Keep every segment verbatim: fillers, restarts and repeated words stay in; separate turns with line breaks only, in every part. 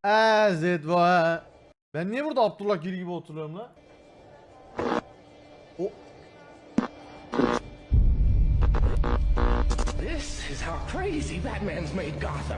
As it was. Ben niye burada Abdullah Gül gibi oturuyorum lan? O
This is how crazy Batman's made Gotham.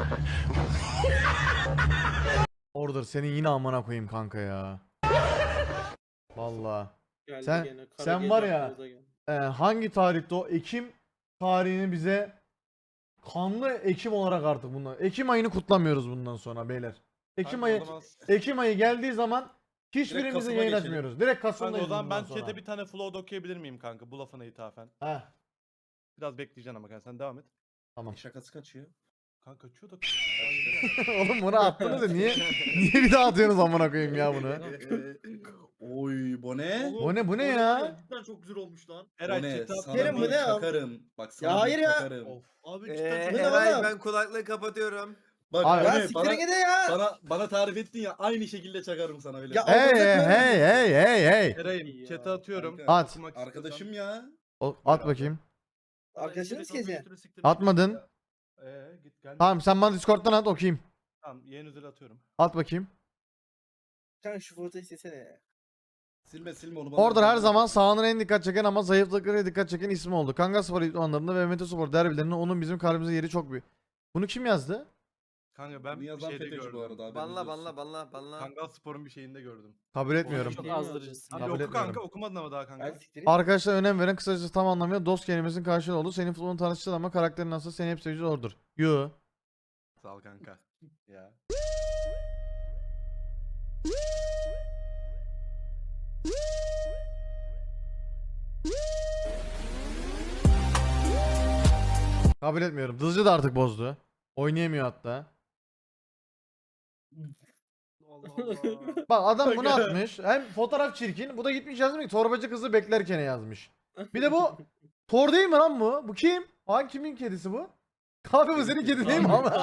Order senin yine amına koyayım kanka ya. Vallahi.
Geldi
Sen-
gene, kara
sen
gece
var ya-
aklımıza geldi.
Ee, hangi tarihte o? Ekim tarihini bize kanlı Ekim olarak artık bundan. Ekim ayını kutlamıyoruz bundan sonra beyler. Ekim
Kanka,
ayı
o zaman-
Ekim ayı geldiği zaman hiçbirimize
Kasım'a
yayın
geçelim.
açmıyoruz. Direkt
Kanka
Kasım'dayız
o zaman ben
bundan sonra.
chat'e bir tane flow okuyabilir miyim kanka bu lafına ithafen?
Heh,
Biraz bekleyeceksin ama kanka sen devam et.
tamam.
Şakası kaçıyor.
Kanka kaçıyor da.
Oğlum bunu attınız da niye niye bir daha atıyorsunuz amına koyayım ya bunu?
Oy bu ne?
O ne bu ne ya?
Cidden çok güzel olmuş lan.
Bu
Eray
ne?
chat'e at.
Sana
Kerim,
bir
bu ne ya?
çakarım. Bak sana
Ya
bir
hayır ya.
çakarım.
Of.
Abi
Ee,
cidden çok
Eray
güzel.
ben kulaklığı kapatıyorum.
Bak
Abi-
bu
Ya
ne?
siktir
Bana,
gide ya.
bana, bana tarif ettin ya aynı şekilde çakarım sana öyle.
Ya-
Hey
Arkadaşlar-
hey hey hey hey.
Eray'ım chat'e atıyorum.
Kanka,
At.
Okumak
Arkadaşım ya.
O- At bakayım.
Arkadaşınız kezi.
Atmadın.
Eee git gel.
Tamam sen bana Discord'dan at okuyayım.
Tamam yayın üzeri atıyorum.
At bakayım.
Kanka şu fotoğrafı istesene.
Silme silme onu bana.
Order her zaman sahanın en dikkat çeken ama zayıflıklara dikkat çeken ismi oldu. Kanga Spor idmanlarında ve Mete Spor derbilerinde onun bizim kalbimize yeri çok büyük. Bunu kim yazdı?
Kanka ben
Bunu
bir
yazan
şeyde
FETÖ'cü
gördüm.
bu arada abi.
Banla banla banla banla.
Kangal Spor'un bir şeyinde gördüm.
Kabul etmiyorum.
Çok azdırıcısın.
Abi
Kabul
oku
etmiyorum.
kanka okumadın ama daha kanka.
Hadi siktir git.
Arkadaşlar önem veren kısacası tam anlamıyla dost kelimesinin karşılığı oldu. Senin futbolunu tanıştırdı ama karakterin nasıl seni hep sevici Order. Yo.
Sağ ol kanka. Ya.
Kabul etmiyorum. Dızcı da artık bozdu. Oynayamıyor hatta.
Allah Allah.
Bak adam bunu atmış. Hem fotoğraf çirkin. Bu da gitmiş yazmış ki torbacı kızı beklerken yazmış. Bir de bu Thor değil mi lan bu? Bu kim? Hangi kimin kedisi bu? Abi bu senin kedi değil mi ama?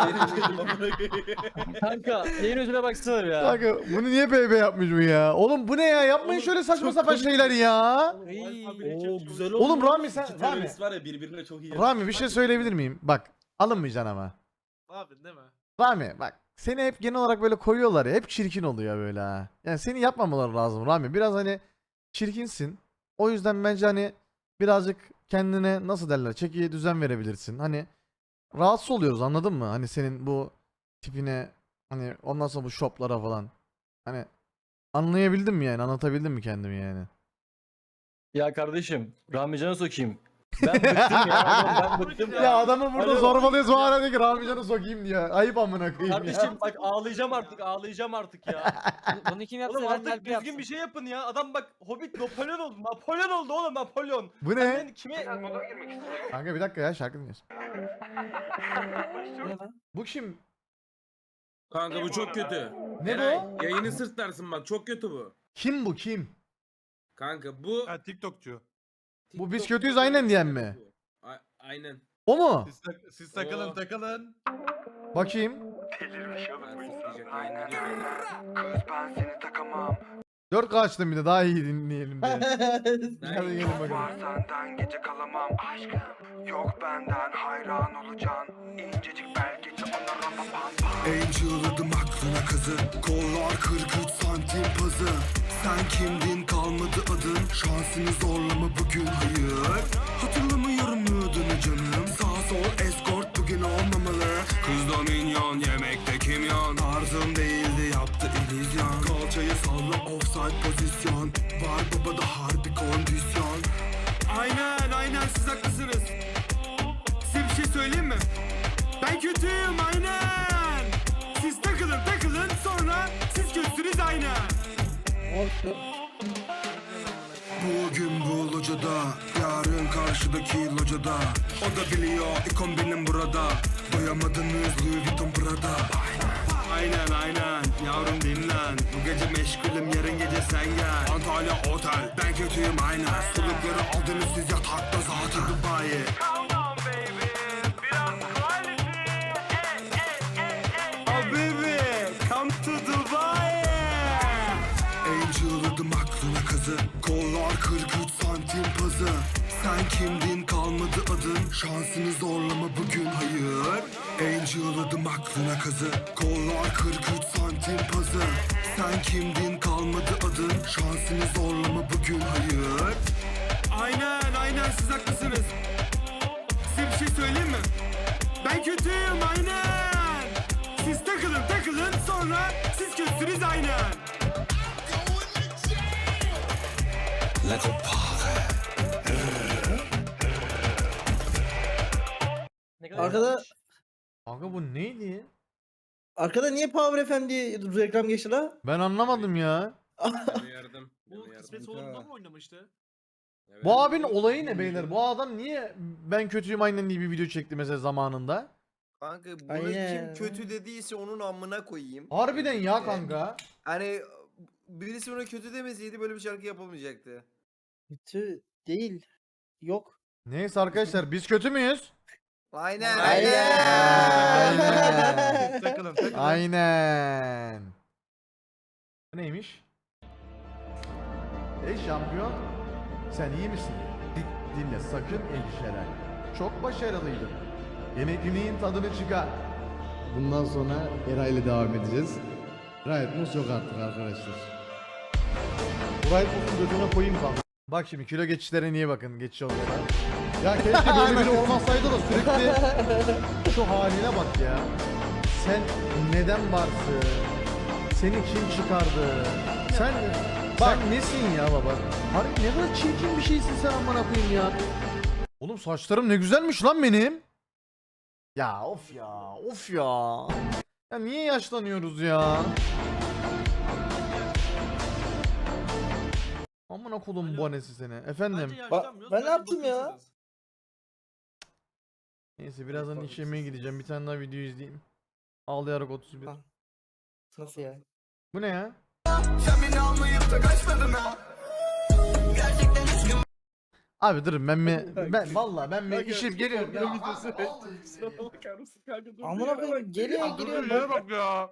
Kanka yayın özüne baksana ya.
Kanka bunu niye bebe yapmış bu ya? Oğlum bu ne ya? Yapmayın
Oğlum,
şöyle saçma
çok
sapan
komik.
şeyler ya.
Oo güzel oldu.
Oğlum Rami
İki
sen Rami.
terörist var ya birbirine çok iyi.
Rami bir şey söyleyebilir miyim? Bak alınmayacaksın ama.
Abi değil mi?
Rami bak seni hep genel olarak böyle koyuyorlar ya hep çirkin oluyor böyle ha. Yani seni yapmamaları lazım Rami. Biraz hani çirkinsin. O yüzden bence hani birazcık kendine nasıl derler çekiye düzen verebilirsin. Hani rahatsız oluyoruz anladın mı? Hani senin bu tipine hani ondan sonra bu shoplara falan. Hani anlayabildim mi yani anlatabildim mi kendimi yani?
Ya kardeşim Rami Can'a sokayım. Ben bıktım ya. adam, Ben bıktım ya.
Ya adamı burada
Alo.
zorbalıyoruz bu ara diyor ki Rami Can'ı sokayım diyor. Ayıp amına koyayım
Kardeşim
ya.
bak ağlayacağım artık ağlayacağım artık ya.
Bunu kim yapsa
Oğlum
ben
artık
kalp
düzgün
yapsın.
bir şey yapın ya. Adam bak Hobbit Napolyon oldu. Napolyon oldu oğlum Napolyon.
Bu ne?
Ben kime...
Kanka bir dakika ya şarkı dinliyorsun.
Ne lan?
Bu kim?
Kanka bu çok kötü.
Ne bu?
Yayını sırtlarsın bak çok kötü bu.
Kim bu kim?
Kanka bu...
Ha TikTokçu.
Bu biz kötüyüz aynen diyen mi?
A- aynen.
O mu?
Siz, tak- siz takılın
Oo.
takılın.
Bakayım.
Ben sıçrayacak yayını gidiyor.
dört K açtım bir de daha iyi dinleyelim diye.
Ben-
Hadi gelin bakalım.
Senden gece kalamam aşkım. Yok benden hayran olacaksın. İncecik belgeci ona ramapan.
Angel'ladım aklına kazı. Kollar kırk üç santim pazı. Sen kimdin kalmadı adın. Şansını zorlama bugün hayır. Hatırlamıyorum adını canım. Sağ sol escort bugün olmamalı. Kız da minyon yemekte kimyon. Tarzım değildi yaptı illüzyon. Kalçayı salla offside pozisyon. Var babada harbi kondisyon. Aynen aynen siz haklısınız. Size bir şey söyleyeyim mi? Ben kötüyüm aynen. Siz takılın takılın sonra siz kötüsünüz aynen. Bugün bu locada, yarın karşıdaki locada. O da biliyor ikon benim burada. Doyamadınız Louis Vuitton Prada. Aynen aynen yavrum dinlen. Bu gece meşgulüm yarın gece sen gel. Antalya otel ben kötüyüm aynen. Solukları aldınız siz yatakta zaten Dubai. Oh baby, come to Dubai. Angel'ladım aklına kazı. Kollar kırk üç santim pazı. Sen kimdin kalmadı adın. Şansını zorlama bugün hayır. Angel'ladım aklına kazı. Kollar kırk üç santim Sen kimdin kalmadı adın, şansını zorlama bugün hayır. Aynen aynen siz haklısınız. Size bir şey söyleyeyim mi? Ben kötüyüm aynen. Siz takılın takılın sonra siz kötüsünüz aynen. Let's go.
Arkada
Kanka bu neydi?
arkada niye Power F M diye reklam geçti la?
Ben anlamadım ya.
Ben uyardım. Ben
Bu
uyardım.
kısmet olduğunda mı oynamıştı?
Evet.
Bu abinin olayı ne beyler? Bu adam niye ben kötüyüm aynen diye bir video çekti mesela zamanında?
Kanka bunu
Aynen.
kim kötü dediyse onun amına koyayım.
Harbiden ya
Ee,
kanka.
Hani birisi ona kötü demeseydi böyle bir şarkı yapılmayacaktı.
Kötü değil. Yok.
Neyse arkadaşlar biz kötü müyüz?
Aynen.
Aynen.
Siz takılın takılın.
Aynen. Bu neymiş? Ey şampiyon, sen iyi misin? Di- dinle sakın endişelenme. Çok başarılıydın. Yemekliliğin tadını çıkar. Bundan sonra Era ile devam edeceğiz. Riot Mouse yok artık arkadaşlar. Riot Mouse'un götüne koyayım kanka. Bak şimdi kilo geçişlere niye bakın geçiş yollara. Ya keşke böyle biri olmasaydı da sürekli şu haline bak ya. Sen neden varsın? Seni kim çıkardı? Sen sen nesin ya baba? Harbi ne kadar çirkin bir şeysin sen amına koyayım ya. Oğlum saçlarım ne güzelmiş lan benim. Ya of ya, of ya. Ya niye yaşlanıyoruz ya? Amına kodum bu anesi seni. Efendim.
Ba- ben ne yaptım ya?
Neyse birazdan iş yemeğe gideceğim. Bir tane daha video izleyeyim. Ağlayarak otuz bir.
Ha. Nasıl ya?
Bu ne ya? Abi durun ben mi ben vallahi ben mi işip geliyorum ya.
Amına koyayım geliyor
Dur
giriyor.
yere bak ya.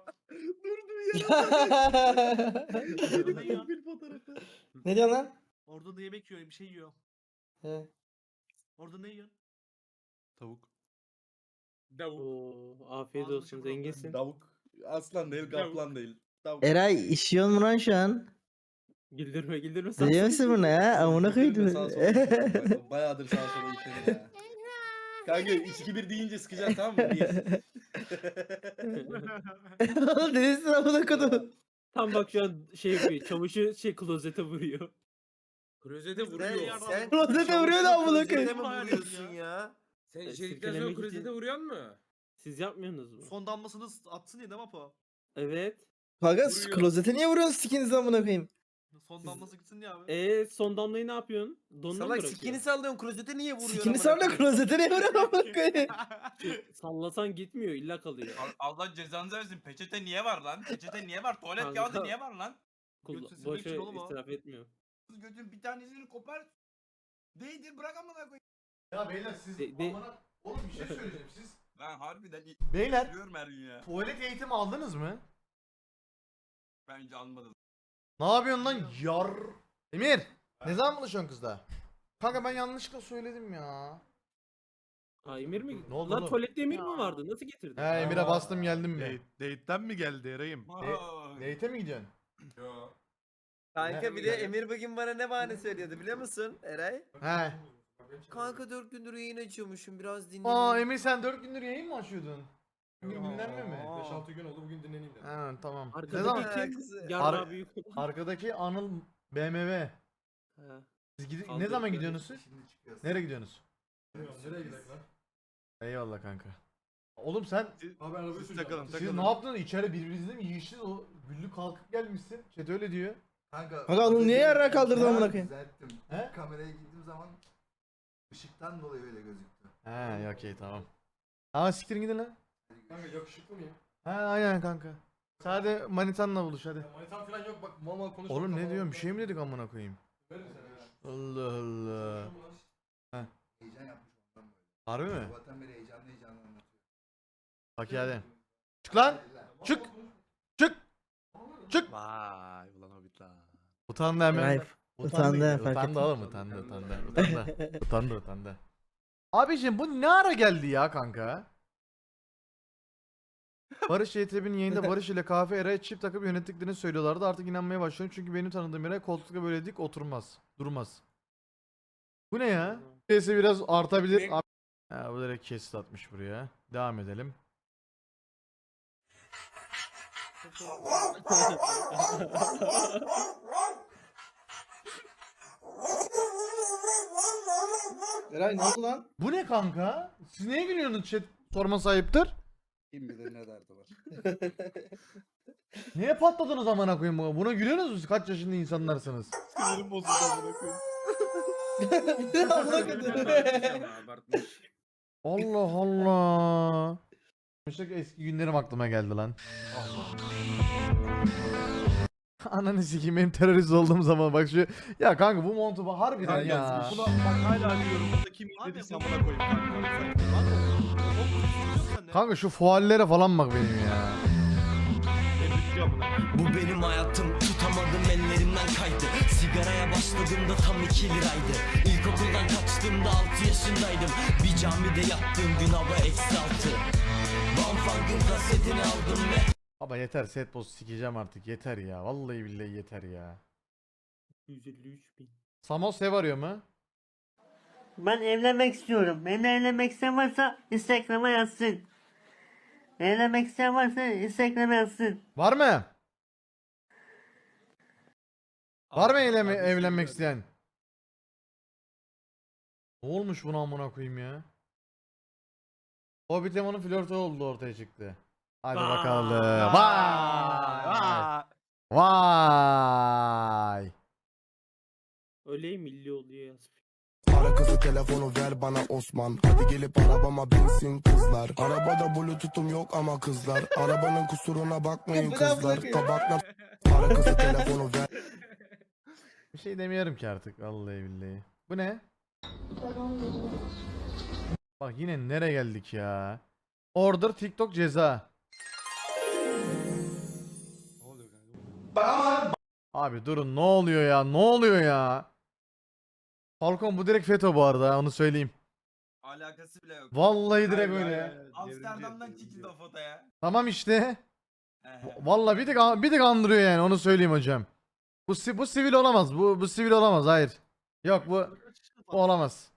Bir fotoğrafı. Ne diyorsun lan?
Orada da yemek yiyor, bir şey yiyor.
He.
Orada ne yiyor?
Tavuk.
Davuk.
Oo,
afiyet olsun, zenginsin.
Davuk. Aslan değil, kaplan değil. Tavuk.
Eray işiyor mu lan şu an?
Güldürme güldürme.
Biliyor musun bunu ha? Amına
Güldürme,
koydum.
sağa sola işledim bak. Bayağıdır sağa sola işledim ya. Kanka üç iki bir deyince sıkacaksın tamam mı? Bir.
Oğlum neresin amına koydum?
Tam bak şu an şey yapıyor. Çamaşır şey klozete vuruyor.
Klozete
Sen,
vuruyor.
sen
Klozete vuruyor da amına
klozete
koyayım.
mi vuruyorsun ya?
Sen
E,
içerikten sonra
silkelemek
klozete
için-
vuruyor mu?
Siz yapmıyorsunuz mu?
Son damlasını atsın ya değil mi Apo?
Evet.
Kanka
Vuruyor.
klozete niye vuruyorsun sikinizi amına koyayım?
Son damlası gitsin ya abi.
E son damlayı ne yapıyorsun? Donuna mı
Salak
bırakıyorsun?
sikini sallıyorsun klozete niye vuruyorsun?
Sikini
amına
salla
koyayım?
klozete niye vuruyorsun amına koyayım?
Sallasan gitmiyor illa kalıyor.
Allah cezanızı versin. Peçete niye var lan? Peçete niye var? Tuvalet
Kanka.
kağıdı niye var lan?
Kulla-
Götü silmek
boşa
için oğlum o.
israf etmiyor.
Götün bir tanesini kopar. Değdir bırak amına koyayım.
Ya beyler siz
De- de-
amına oğlum bir şey söyleyeceğim siz.
Ben harbiden
Beyler
diyorum her gün ya.
tuvalet eğitimi aldınız mı?
Bence almadım.
Ne yapıyorsun lan yar? Emir ne zaman buluşuyorsun kızla? Kanka ben yanlışlıkla söyledim ya.
Ha Emir mi?
Ne oldu
Lan
oğlum?
tuvalette Emir mi vardı? Nasıl getirdin?
He Emir'e bastım geldim mi?
Date, date'den mi geldi Eray'ım?
Date'e mi gidiyorsun?
Kanka bir de Emir bugün bana ne bahane söylüyordu biliyor musun Eray?
He.
Kanka dört gündür yayın açıyormuşum biraz dinleneyim.
Aa Emir sen dört gündür yayın mı açıyordun? Bugün dinlenme mi?
beş altı gün oldu bugün dinleneyim dedim.
He tamam. Ne
Arkadaki
zaman?
Alakası-
Yarra
Ar-
büyük.
Arkadaki Anıl B M W.
Ha.
Siz gidi- ne
Kaldırdı.
zaman gidiyorsunuz siz? Nereye gidiyorsunuz?
Nereye gidelim lan?
Eyvallah kanka. Oğlum sen
Abi arabayı
Siz
süreceğim.
takılın
siz
takılın.
ne yaptınız? İçeri birbirinizle mi yiyiştiniz? O güllü kalkıp gelmişsin. Chat öyle diyor.
Kanka,
Kanka onu niye yarrağa kaldırdın amına koyayım?
Düzelttim.
He?
Kameraya girdiğim zaman ışıktan dolayı öyle gözüktü.
He okey tamam. Ama siktirin gidin lan.
Kanka yakışıklı mıyım?
He aynen kanka. Sadece manitanla buluş hadi.
Manitam falan yok bak mal mal konuşma.
Oğlum ne diyorsun? Bir şey mi dedik amına koyayım? Allah Allah.
Heyecan yapmış ondan böyle.
Harbi mi?
Sabahtan beri heyecanlı heyecanlı anlatıyor.
Bak hadi. Çık lan. Çık. Çık. Çık.
Vay ulan hobbit lan.
Utandı hemen.
Eray utandı, fark
Utandı
ettim.
oğlum utandı utandı. Utandı. utandı utandı. Abiciğim bu ne ara geldi ya kanka? Barış Y T B'nin yayında Barış ile Kahve Eray'ı çift takıp yönettiklerini söylüyorlardı. Artık inanmaya başlıyorum çünkü benim tanıdığım Eray koltukta böyle dik oturmaz. Durmaz. Bu ne ya? Sesi biraz artabilir.
Ne?
Ha, bu direkt kesit atmış buraya. Devam edelim.
Eray ne oldu lan?
Bu ne kanka? Siz neye gülüyorsunuz chat? Sorma sahiptir.
Kim bilir ne derdi var.
Niye patladınız amına koyayım buna? Buna gülüyorsunuz musunuz? Kaç yaşında insanlarsınız?
Sinirim bozuldu amına koyayım.
Amına koydum.
Abartmış.
Allah Allah. Mesela eski günlerim aklıma geldi lan. Ananı sikeyim benim terörist olduğum zaman bak şu. Ya kanka bu montu bu harbiden ya.
Buna bak hala diyorum. Burada kim indiyse amına koyayım kanka.
Kanka şu fuallere falan bak benim ya.
Bu benim hayatım, tutamadım ellerimden kaydı. Sigaraya başladığımda tam iki liraydı. İlkokuldan kaçtığımda altı yaşındaydım. Bir camide yattığım gün hava eksi altı. Van Funk'ın kasetini aldım ve
Baba yeter set boss sikeceğim artık yeter ya. Vallahi billahi yeter ya.
yüz elli üç bin.
Samos ev arıyor mu?
Ben evlenmek istiyorum. Benimle evlenmek isteyen varsa Instagram'a yazsın. Evlenmek isteyen varsa Instagram'a yazsın.
Var mı? Var mı eyleme, evlenmek isteyen? Ne olmuş buna amına koyayım ya? Hobbit Emon'un flörtü oldu ortaya çıktı. Hadi
Vay.
bakalım. Vay. Vay.
Öyle milli oluyor yazmış.
Ara kızı telefonu ver bana Osman. Hadi gelip arabama binsin kızlar. Arabada bluetooth'um yok ama kızlar. Arabanın kusuruna bakmayın
Bu ne
kızlar.
amına
Tabakla ara kızı telefonu ver.
Bir şey demiyorum ki artık vallahi billahi. Bu ne? Bak yine nereye geldik ya? Order TikTok ceza. Abi durun ne oluyor ya? Ne oluyor ya? Falcon bu direkt FETÖ bu arada onu söyleyeyim.
Alakası bile yok.
Vallahi direkt öyle.
Amsterdam'dan çekildi o foto ya.
Tamam işte. Vallahi bir tık bir tık andırıyor yani onu söyleyeyim hocam. Bu si- bu sivil olamaz. Bu bu sivil olamaz. Hayır. Yok bu bu olamaz.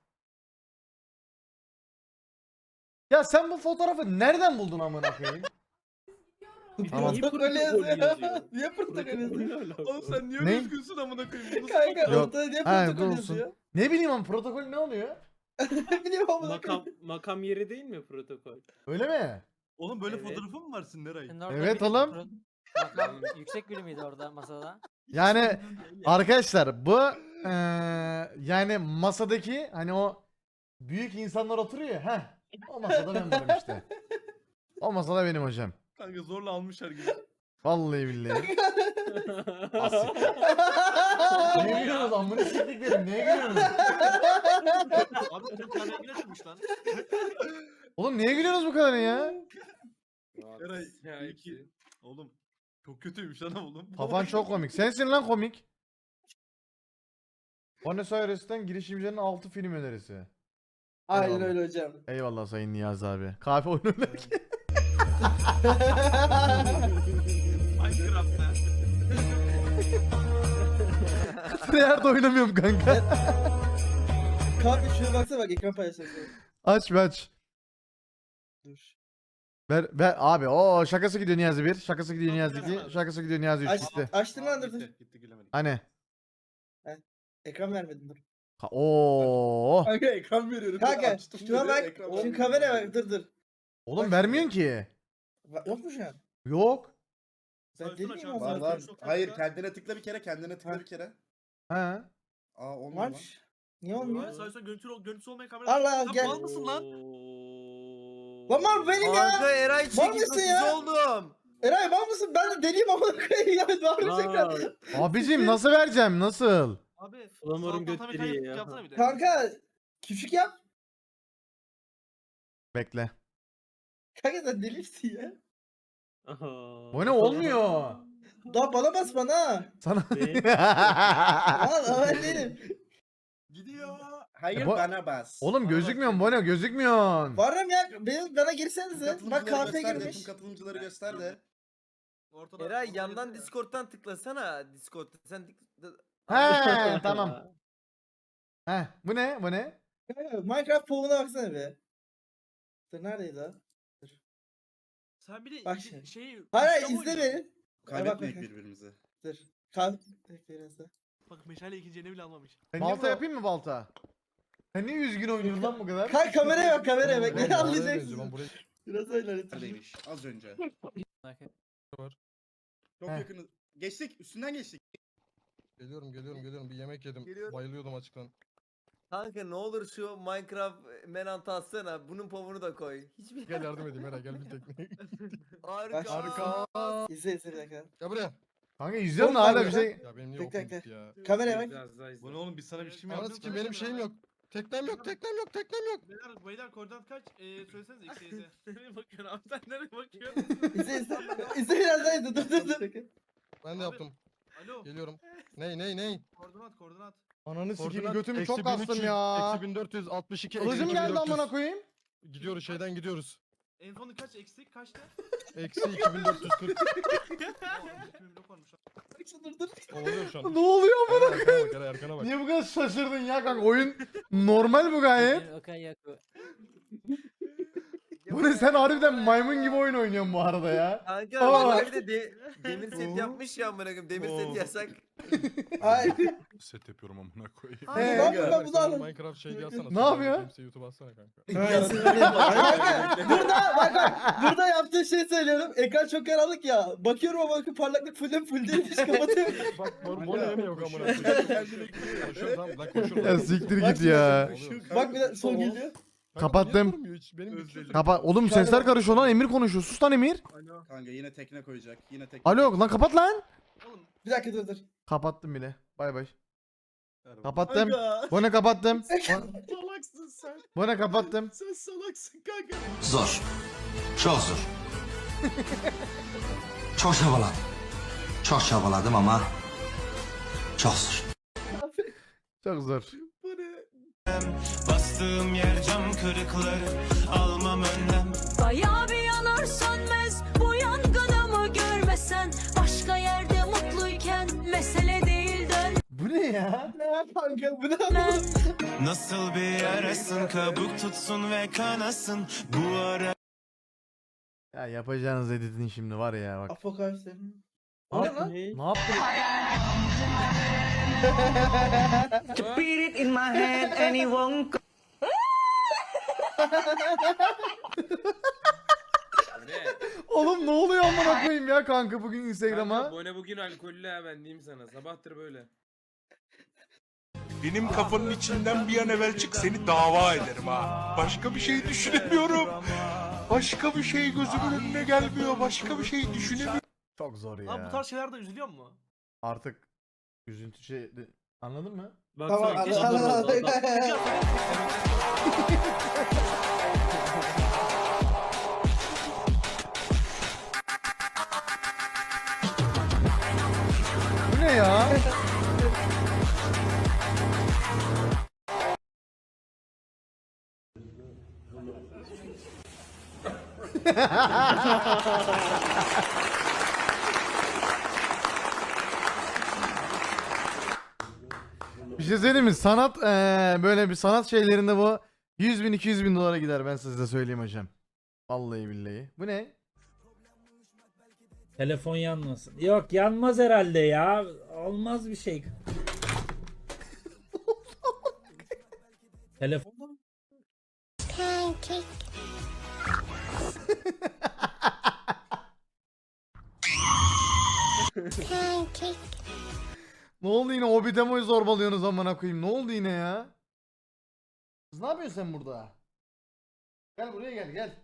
Ya sen bu fotoğrafı nereden buldun amına koyayım? Tamam.
Niye
Protokol
protokol
yazıyor.
yazıyor?
Niye protokol yazıyor?
Oğlum sen niye
Ne?
öyle üzgünsün amına koyayım? Bunu
Kanka
Yok.
ortada niye
Ha,
protokol
olsun.
yazıyor?
Ne bileyim ama protokol ne oluyor?
Ne bileyim amına
Makam,
koyayım.
makam yeri değil mi protokol?
Öyle mi?
Oğlum böyle
Evet.
fotoğrafın mı var senin Eray?
Evet oğlum.
Yüksek biri miydi orada masada?
Yani arkadaşlar bu eee, yani masadaki hani o büyük insanlar oturuyor ya. Heh, o masada ben varım işte. O masada benim hocam.
Kanka zorla almışlar gibi.
Vallahi billahi. Neye gülüyorsunuz amına siktiklerim neye gülüyorsunuz?
Abi Türk kahveye çıkmış lan.
Oğlum niye gülüyorsunuz bu kadar ya?
Eray
Ya
iyi ki. Oğlum çok kötüymüş lan oğlum.
Kafan çok komik. Sensin lan komik. Buenos Aires'ten girişimcilerin altı film önerisi.
Aynen
Eyvallah.
öyle hocam.
Eyvallah Sayın Niyazi abi. Kahve oyunu oynarken.
Minecraft'ta.
Nerede oynamıyorum kanka.
Kanka şuna baksana bak ekran paylaşıyorsun.
Aç bir aç.
Dur.
Ver, ver abi o şakası gidiyor Niyazi bir, şakası gidiyor Niyazi iki, şakası gidiyor Niyazi üç
Aç,
gitti.
açtın lan dur dur.
Gitti, gitti gülemedik.
Hani?
Ekran vermedin dur.
Ha, Oo.
Kanka ekran veriyorum.
Kanka
Açtım
şuna
böyle,
bak.
ekran
Şu
veriyorum.
kameraya bak dur dur.
Oğlum vermiyorsun ki.
Va- Yok mu şu an?
Yok.
Ben
Saysana
deli miyim
şansını.
ama?
Var var.
Çok
Hayır
kanka.
kendine tıkla bir kere kendine tıkla
Ha.
bir kere.
Ha.
Aa olmuyor lan.
Var. Niye olmuyor?
Saysa görüntü, görüntüsü olmayan kamera.
Allah
Lan
gel.
mal mısın lan?
Lan mal benim ya.
Kanka Eray
Var mısın
çekilmesiz
ya?
oldum.
Eray var mısın? Ben de deliyim ama koyayım ya. Var mısın
Aa,
ekran?
Abicim nasıl vereceğim nasıl?
Abi.
Flamar'ın
sağ alttan tabii
götleri
kayıp
ya.
yapsana bir de.
Kanka küçük yap.
Bekle.
Kanka sen deli misin ya?
aha.
Bu ne olmuyor?
Daha bana bas bana.
Sana.
Ne?
Lan ben değilim.
Gidiyor.
Hayır
E bu-
bana bas.
Oğlum gözükmüyorsun Bono gözükmüyorsun.
Varım ya benim, bana girsenize. Bak
Katılımcıları
kahve
göster de,
girmiş.
tüm katılımcıları göster de.
Ortada,
Eray
ortada
yandan
yazıyor ya.
Discord'dan tıklasana. Discord'da sen tık-
He tamam. He bu ne bu ne?
Minecraft povuna baksana be. Dur neredeydi o?
Sen bir de
Bak
iki-
şimdi.
şey...
Hayır hayır
uçta mı
izle
oynuyorsun?
beni.
Kaybetmeyek
bak.
birbirimizi.
Dur. Kahve. Bekle biraz da.
Bak meşale ikincini bile almamış.
Ben
Balta-
balta yapayım mı balta? Sen niye üzgün oynuyorsun lan bu kadar?
Kanka kameraya bak kameraya bak.
Oğlum,
Ne
ben
anlayacaksın?
Ben buraya
Biraz öyle lütfen.
Neredeymiş? Az önce.
var.
Çok
Heh.
yakın. Geçtik. Üstünden geçtik.
Geliyorum geliyorum geliyorum bir yemek yedim.
Geliyorum.
Bayılıyordum açıktan.
Kanka ne olur şu Minecraft menantı atsana. Bunun povunu da koy. Hiçbir
Gel yardım edeyim Eray gel bir tekne.
Harika.
Harika.
İzle izle bir dakika.
Gel buraya.
Kanka izliyorum da
Oğlum,
hala
bak
bir
ya.
şey.
Ya benim niye
Bekle,
okum
bekle.
gitti ya.
Kameraya bak.
Az daha izle.
Bu ne oğlum biz sana bir şey mi
Anasını
yaptık?
kim benim şeyim yok. Teknem yok teknem yok teknem yok.
Beyler, beyler koordinat kaç? Ee, söylesenize X'e Y'e.
Nereye bakıyorsun abi sen nereye bakıyorsun?
İzle izle. İzle biraz daha izle. Dur dur dur.
Ben de yaptım.
Alo.
Geliyorum. Ney ney ney?
Koordinat koordinat.
Ananı sikeyim
Koordinat
götümü
eksi
çok
bin üç
kastım
yüz,
ya.
Eksi bin dört yüz altmış iki.
Kılıcım
eksi
geldi
bin dört yüz.
amına koyayım.
Gidiyoruz şeyden gidiyoruz.
En sonu kaç eksik kaçtı?
Eksi iki bin dört yüz kırk.
Aa, iki bin blok varmış.
Dur dur.
Oluyor şu an.
Ne oluyor amına?
Eray arkana bak Eray arkana bak.
Niye bu kadar şaşırdın ya kanka? Oyun normal bu gayet. Bu ne sen harbiden maymun gibi oyun oynuyorsun bu arada ya.
Kanka
Aa.
bak bir de, de demir set yapmış ya amına koyayım. Demir set yasak.
Hayır.
Set yapıyorum amına koyayım.
Abi
Ee,
ben ben
Bak
bunu
sen
aldım.
Minecraft şey yazsana.
Ne yapıyor?
Kimse YouTube atsana kanka.
Kanka, burada bak bak burada yaptığı şey söylüyorum. Ekran çok karanlık ya. Bakıyorum ama bakın parlaklık full full değilmiş kapatıyorum.
Bak bu bu ne yok amına
Koşuyor.
koyayım. Koşuyorum tamam lan koşuyorum.
Ya siktir
Bak
git ya.
Oluyor.
Bak bir de son geliyor.
Kanka,
Kapattım.
niye durmuyor hiç? Benim bitiyor.
Kapat. Oğlum
Şu anda
sesler
bak-
karışıyor lan. Emir konuşuyor. Sus lan Emir.
Alo.
Kanka yine tekne koyacak. Yine tekne.
Alo lan kapat lan.
Oğlum
Bir dakika dur dur.
Kapattım bile. Bay bay.
koyacak.
Kapattım.
Kanka.
Bu ne kapattım.
Salaksın sen.
Bu ne kapattım.
Sen salaksın kanka.
Zor. Çok zor. Çok çabaladım. Çok çabaladım ama çok zor.
Çok zor.
Bu ne?
Bastığım yer cam kırıkları almam önlem.
Bayağı bir yanar sönmez bu yangınımı görmesen. Başka yerde mutluyken mesele değil dön.
Bu ne ya?
Ne var kanka bu ne?
Nasıl bir yarasın kabuk tutsun ve kanasın bu ara.
Ya yapacağınız editin şimdi var ya bak.
Apokalipsi.
Ne,
O ne
yap-
lan?
ne yaptın?
To beat it in my head and it won't go.
Bu ne?
Oğlum ne oluyor amına koyayım ya kanka bugün
Kanka
Instagram'a?
bu ne bugün alkollü ha ben diyeyim sana. Sabahtır böyle.
Benim kafanın içinden bir an evvel çık seni dava ederim ha. Başka bir şey düşünemiyorum. Başka bir şey gözümün önüne gelmiyor. Başka bir şey düşünemiyorum.
Çok zor ya.
Lan bu tarz şeylerde üzülüyor mu?
Artık üzüntü şey anladın mı?
Tamam
Baksana keşke
anladım
durmasa adam.
anladım.
Bu ne ya? Bir şey söyleyeyim mi? Sanat eee, böyle bir sanat şeylerinde bu yüz bin iki yüz bin dolara gider ben size söyleyeyim hocam. Vallahi billahi. Bu ne?
Telefon yanmasın. Yok yanmaz herhalde ya. Olmaz bir şey. Telefon
Ne oldu yine Obitemo'yu zorbalıyorsunuz amına koyayım. Ne oldu yine ya? Kız ne yapıyorsun sen burada? Gel buraya gel gel.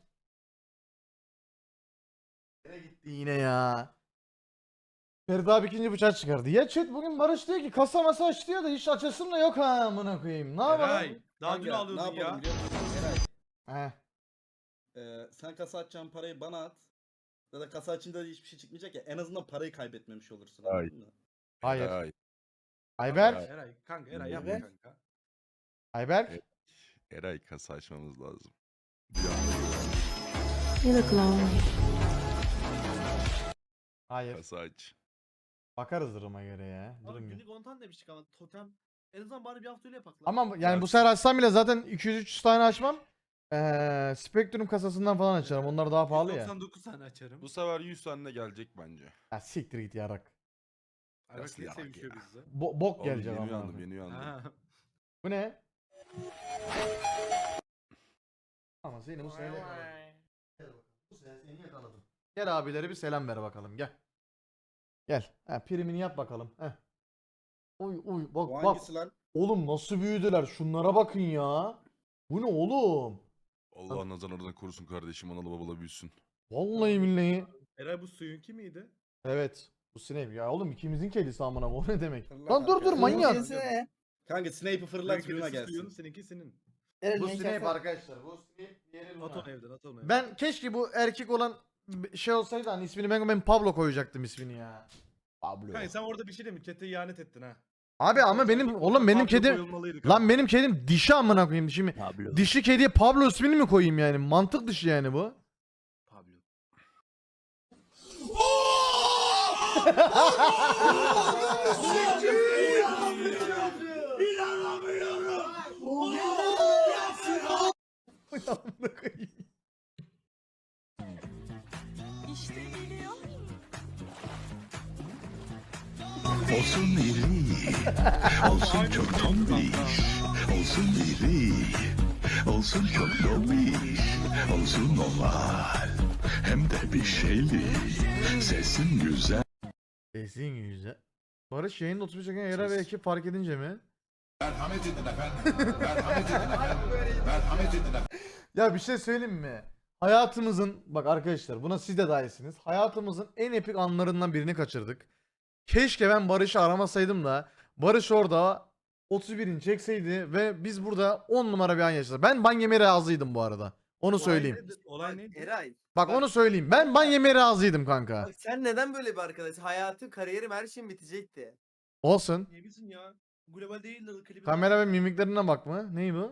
Nereye gitti yine ya? Ferdi abi ikinci bıçak çıkardı. Ya chat bugün Barış diyor ki kasa masa aç diyor da hiç açasın da yok ha amına koyayım. Ne yapalım?
Eray. Daha dün
Kanka,
alıyordun
ne yapalım
ya.
biliyor musun? Eray.
Heh.
Ee, sen kasa açacağın parayı bana at. Ya da kasa açınca da hiçbir şey çıkmayacak ya. En azından parayı kaybetmemiş olursun. Anladın mı?
Hayır. Ayber.
Eray kanka Eray yapma
Evet.
kanka.
Ayberk.
Eray kasa açmamız lazım.
Hayır.
Kasa aç.
Bakarız duruma göre ya.
Abi
Durum
günlük on tane demiştik ama totem. En azından bari bir hafta öyle yapak lan.
Ama yani bu sefer açsam bile zaten iki yüz üç yüz tane açmam. Ee, Spectrum kasasından falan açarım. Onlar daha pahalı ya.
doksan dokuz tane açarım.
Bu sefer yüz tane gelecek bence.
Ya siktir git yarak.
Ay bak
Nasıl
ne
yarak
sevişiyor
ya?
bizde.
Bo bok
Oğlum
gelecek
yeni
ama.
uyandım yeni uyandım.
Ha.
Bu ne? Ama seni bu sene yakaladım. Bu sene seni yakaladım. Gel abileri bir selam ver bakalım gel. Gel. Ha, primini yap bakalım. Heh. Uy uy bak
Bu
bak.
hangisi lan?
Oğlum nasıl büyüdüler? Şunlara bakın ya. Bu ne oğlum?
Allah nazarlardan korusun kardeşim analı babalı büyüsün.
Vallahi billahi.
Eray bu suyunki miydi?
Evet. Bu Snape ya oğlum ikimizin kedisi amına o ne demek?
Fırlat
Lan dur dur
arkadaşlar.
manyak.
Neyse.
Kanka Snape'i fırlat
Benimki
suyuna
de suyun,
gelsin.
seninki senin.
Eren
Bu
ne
Snape
şaka-
arkadaşlar. Bu Snape diğeri Luna.
At onu evden at onu evden.
Ben keşke bu erkek olan b- şey olsaydı hani ismini ben, ben Pablo koyacaktım ismini ya. Pablo.
Kanka sen orada bir şey demin chat'e ihanet ettin ha.
Abi ama benim oğlum benim
Pablo
kedim
koyulmalıydı
lan benim kedim dişi amına koyayım şimdi. Dişi kediye Pablo ismini mi koyayım yani? Mantık dışı yani bu.
Pablo.
Amına koyayım.
Olsun iri, olsun çok tombiş, olsun iri, olsun çok tombiş, olsun oval, hem de bir şeyli, sesin güzel.
Sesin güzel. Barış yayında otuz beş dakika Era ve ekip fark edince mi?
Merhamet edin efendim, merhamet edin efendim, merhamet edin efendim.
Ya bir şey söyleyeyim mi? Hayatımızın bak arkadaşlar buna siz de dahilsiniz. Hayatımızın en epik anlarından birini kaçırdık. Keşke ben Barış'ı aramasaydım da Barış orada otuz birini çekseydi ve biz burada on numara bir an yaşadık. Ben ban yemeye razıydım bu arada. Onu söyleyeyim.
Olay neydi?
Eray.
Bak onu söyleyeyim. Ben ban yemeye razıydım kanka.
Bak sen neden böyle bir arkadaş? Hayatın, kariyerim, her şeyim bitecekti.
Olsun.
Niye bilsin ya? Global değildir klibi.
Kamera ve mimiklerine bak mı? Ney bu?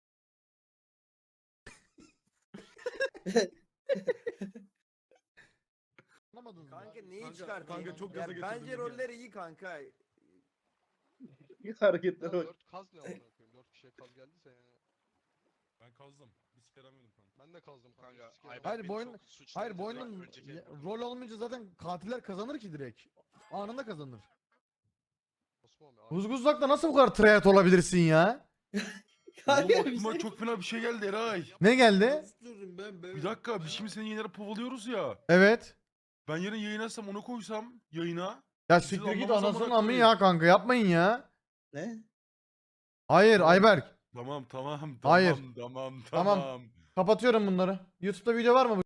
Kanka neyi
Kanka-
çıkartayım?
kanka çok
Ya
gaza
bence
getirdim ya.
roller iyi kanka.
Hareketlere bak.
Kaz ne amına koyayım? dört kişiye kaz geldiyse yani. Ben kazdım. Bir sikere yemedim kanka. Ben de kazdım kanka.
Hayır bu oyun hayır bu oyunun ya- rol olmayınca zaten katiller kazanır ki direkt. Anında kazanır. Huzguzlak'ta nasıl bu kadar tryhard olabilirsin ya?
Kanka bir şey-
çok fena bir şey geldi Eray.
Ne geldi?
Bir dakika biz şimdi seni yayınlara povalıyoruz ya.
Evet.
Ben yarın yayın açsam onu koysam yayına.
Ya
Siz
siktir git
anlamaz
anasının
amına
amı
koyayım.
ya kanka yapmayın ya.
Ne?
Hayır Ayberk.
Tamam tamam tamam
Hayır.
tamam
Tamam.
tamam.
Kapatıyorum bunları. YouTube'da video var mı?